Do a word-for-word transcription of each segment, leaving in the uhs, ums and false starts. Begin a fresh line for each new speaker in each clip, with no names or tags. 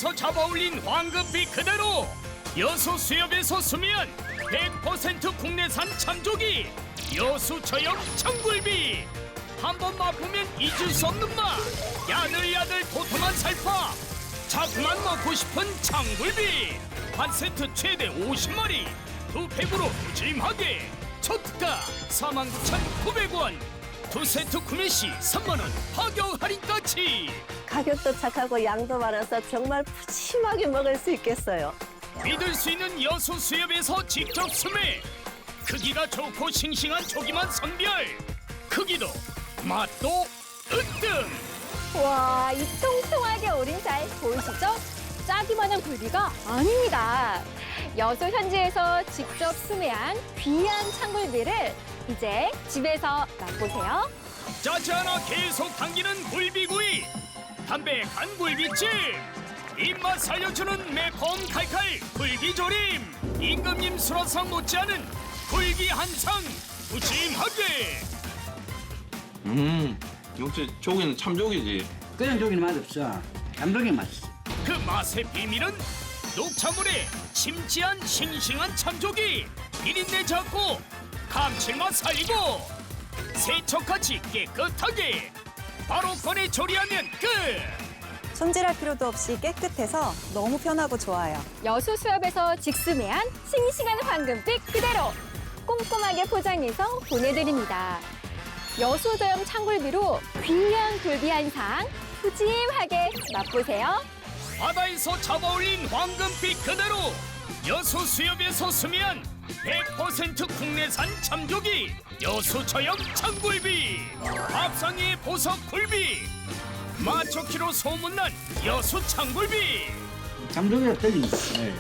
바다에서 잡아올린 황금빛 그대로 여수 수협에서 수면 백 퍼센트 국내산 참조기 여수 저염 청굴비. 한번 맛보면 잊을 수 없는 맛. 야들야들 도톰한 살파. 자꾸만 먹고 싶은 청굴비. 한 세트 최대 오십 마리. 두 팩으로 푸짐하게. 초특가 사만 구천구백 원. 두 세트 구매 시 삼만 원 파격 할인까지.
가격도 착하고 양도 많아서 정말 푸짐하게 먹을 수 있겠어요.
믿을 수 있는 여수 수협에서 직접 수매. 크기가 좋고 싱싱한 조기만 선별. 크기도 맛도 으뜸.
와, 이 통통하게 오린 살 보이시죠? 짜기만한 굴비가 아닙니다. 여수 현지에서 직접 수매한 귀한 창굴비를 이제 집에서 맛보세요.
짜지 않아 계속 당기는 굴비구이. 담백한 굴비찜. 입맛 살려주는 매콤 칼칼 굴비조림. 임금님 수라상 못지않은 굴비 한상 푸짐하게.
음, 역시 조기는 참조기지.
그냥 조기는 맛없어. 감독이 맛있어.
그 맛의 비밀은 녹차물에 심지한 싱싱한 참조기. 비린내 잡고 감칠맛 살리고 세척같이 깨끗하게 바로 꺼내 조리하면 끝.
손질할 필요도 없이 깨끗해서 너무 편하고 좋아요.
여수 수협에서 직수매한 싱싱한 황금빛 그대로 꼼꼼하게 포장해서 보내드립니다. 여수 저염 창굴비로 귀한 굴비 한 상 푸짐하게 맛보세요.
바다에서 잡아올린 황금빛 그대로 여수 수협에서 수미한 백 퍼센트 국내산 참조기 여수 저염 창굴비. 밥상의 보석 굴비. 맛 좋기로 소문난 여수 창굴비.
감독이랑 틀립니다. 네.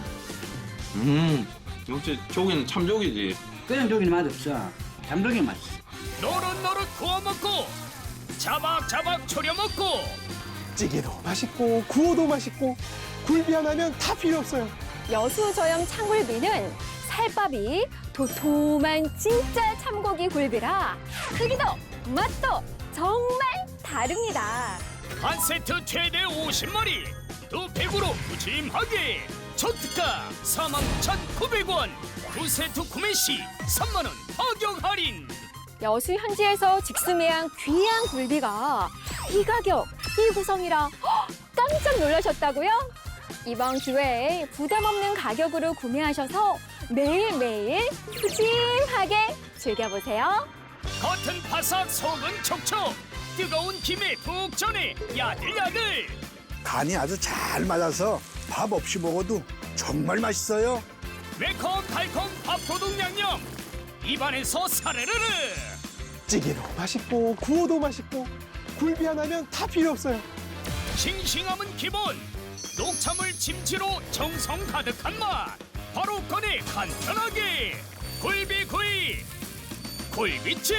음, 역시 조기는 참조기지.
그냥 조기는 맛없어. 감독이 맛있어.
노릇노릇 구워 먹고 자박자박 졸여 먹고
찌개도 맛있고 구워도 맛있고 굴비 하나면 다 필요 없어요.
여수 저염 창굴비는 살밥이 도톰한 진짜 참고기 굴비라 크기도 맛도 정말 다릅니다.
한 세트 최대 오십 마리 두 팩으로 푸짐하게. 초특가 사만 구천구백 원. 두 세트 구매 시 삼만 원 파격 할인.
여수 현지에서 직수매한 귀한 굴비가 이 가격, 이 구성이라 헉, 깜짝 놀라셨다고요? 이번 기회에 부담 없는 가격으로 구매하셔서 매일매일 푸짐하게 즐겨보세요.
겉은 바삭 속은 촉촉. 뜨거운 김에 푹 전에 야들야들.
간이 아주 잘 맞아서 밥 없이 먹어도 정말 맛있어요.
매콤 달콤 밥도둑 양념. 입안에서 사르르르.
찌개도 맛있고 구워도 맛있고 굴비 하나면 다 필요 없어요.
싱싱함은 기본. 녹차물 김치로 정성 가득한 맛. 바로 꺼내 간편하게. 굴비구이. 굴비찜.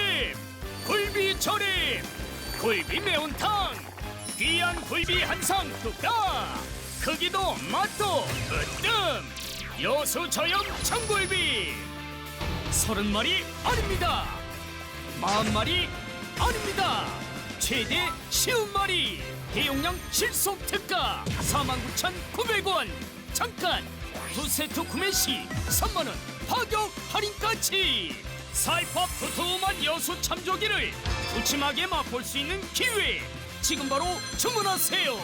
굴비조림. 굴비 매운탕. 귀한 굴비 한상 뚝딱. 크기도 맛도 으뜸. 여수 저염 청굴비. 서른 마리 아닙니다. 마흔 마리 아닙니다. 최대 쉬운 마리. 대용량 실속 특가 사만 구천구백 원. 잠깐 두 세트 구매 시 삼만 원 파격 할인까지. 살팝 두툼한 여수 참조기를 푸짐하게 맛볼 수 있는 기회. 지금 바로 주문하세요.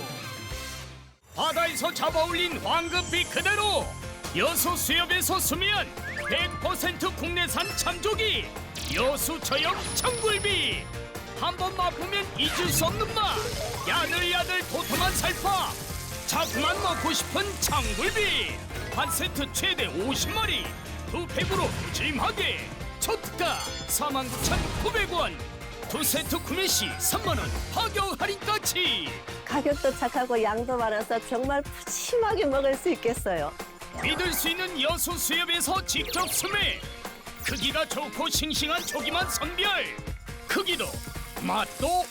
바다에서 잡아올린 황금빛 그대로 여수 수협에서 수면 백 퍼센트 국내산 참조기 여수 저염 청굴비. 한번 맛보면 잊을 수 없는 맛. 야들야들 도톰한 살파. 자꾸만 먹고 싶은 청굴비. 한 세트 최대 오십 마리 두 팩으로 푸짐하게. 초특가 사만 구천구백 원. 두 세트 구매 시 삼만 원 파격 할인까지.
가격도 착하고 양도 많아서 정말 푸짐하게 먹을 수 있겠어요.
믿을 수 있는 여수 수협에서 직접 수매. 크기가 좋고 싱싱한 조기만 선별. 크기도 맛도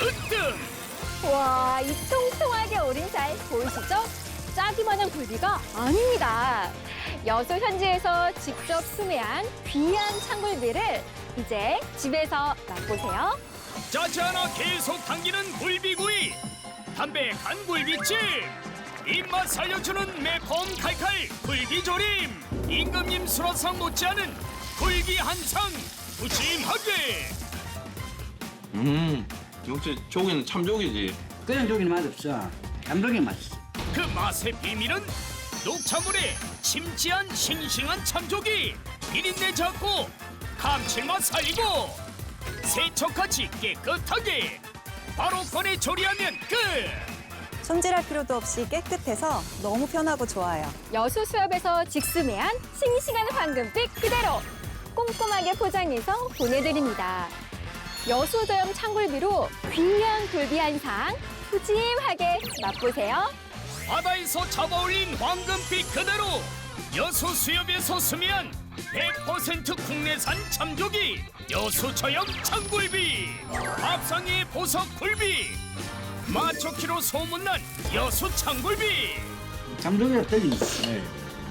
으뜸.
와, 이 통통하게 오린 살 보이시죠? 짜기만한 굴비가 아닙니다. 여수 현지에서 직접 수매한 귀한 창굴비를 이제 집에서 맛보세요.
짜지 않아 계속 당기는 굴비구이. 담백한 굴비찜. 입맛 살려주는 매콤 칼칼 굴비조림. 임금님 수라상 못지않은 굴비 한상 푸짐하게.
음, 역시 조기는 참조기지.
그냥 조기는 맛없어. 담백이 맛있어.
그 맛의 비밀은 녹차물에 심지한 싱싱한 참조기, 비린내 잡고 감칠맛 살리고 세척같이 깨끗하게 바로 꺼내 조리하면 끝.
손질할 필요도 없이 깨끗해서 너무 편하고 좋아요.
여수 수협에서 직수매한 싱싱한 황금빛 그대로 꼼꼼하게 포장해서 보내드립니다. 여수 저염 창굴비로 귀한 굴비 한상 푸짐하게 맛보세요.
바다에서 잡아올린 황금빛 그대로 여수 수협에서 수매한 백 퍼센트 국내산 참조기 여수 저염 창굴비. 밥상의 보석 굴비, 맛좋기로 소문난 여수 창굴비.
잠조기가 틀립니다. 네.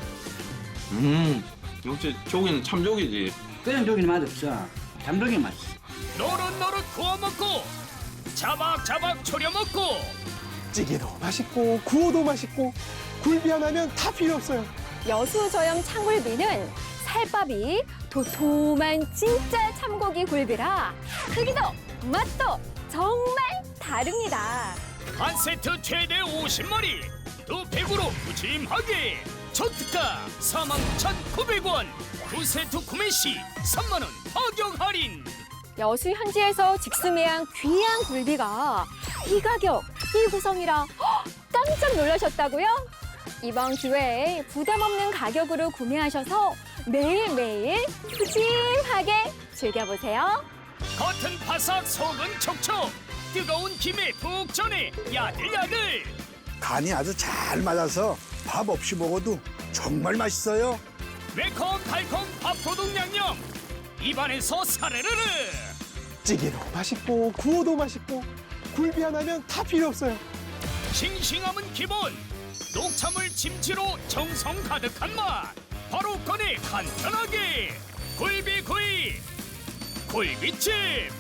음, 역시 조기는 참조기지.
그냥 조기는 맛없어. 담백이 맛있어.
노릇노릇 구워 먹고 자박자박 졸여 먹고
찌개도 맛있고 구워도 맛있고 굴비 하나면 다 필요 없어요.
여수 저염 창굴비는 살밥이 도톰한 진짜 참고기 굴비라 크기도 맛도 정말 다릅니다.
한 세트 최대 오십 마리 두 팩으로 푸짐하게 초특가 사만 구천구백 원. 두 세트 구매 시 삼만 원 파격 할인.
여수 현지에서 직수매한 귀한 굴비가 이 가격, 이 구성이라 헉, 깜짝 놀라셨다고요? 이번 기회에 부담 없는 가격으로 구매하셔서 매일매일 푸짐하게 즐겨보세요.
겉은 바삭 속은 촉촉 뜨거운 김에 푹 전에 야들야들.
간이 아주 잘 맞아서 밥 없이 먹어도 정말 맛있어요.
매콤 달콤 밥도둑 양념 입안에서 사르르르.
찌개도 맛있고 구워도 맛있고 굴비 하나면 다 필요 없어요.
싱싱함은 기본 녹차물 김치로 정성 가득한 맛 바로 꺼내 간편하게 굴비구이 굴비찜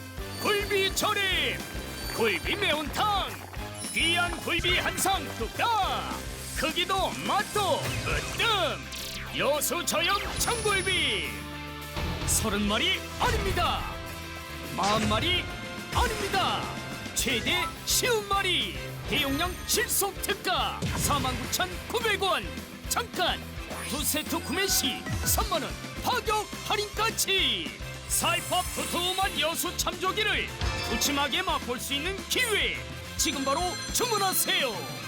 굴비조림 굴비 매운탕 귀한 굴비 한상 뚝딱 크기도 맛도 으뜸 여수 저염 청굴비 서른 마리 아닙니다 마흔 마리 아닙니다 최대 쉬운 마리 대용량 실속 특가 사만 구천구백 원. 잠깐 두 세트 구매 시 삼만 원 파격 할인까지. 살팝 두툼한 여수 참조기를 푸짐하게 맛볼 수 있는 기회 지금 바로 주문하세요.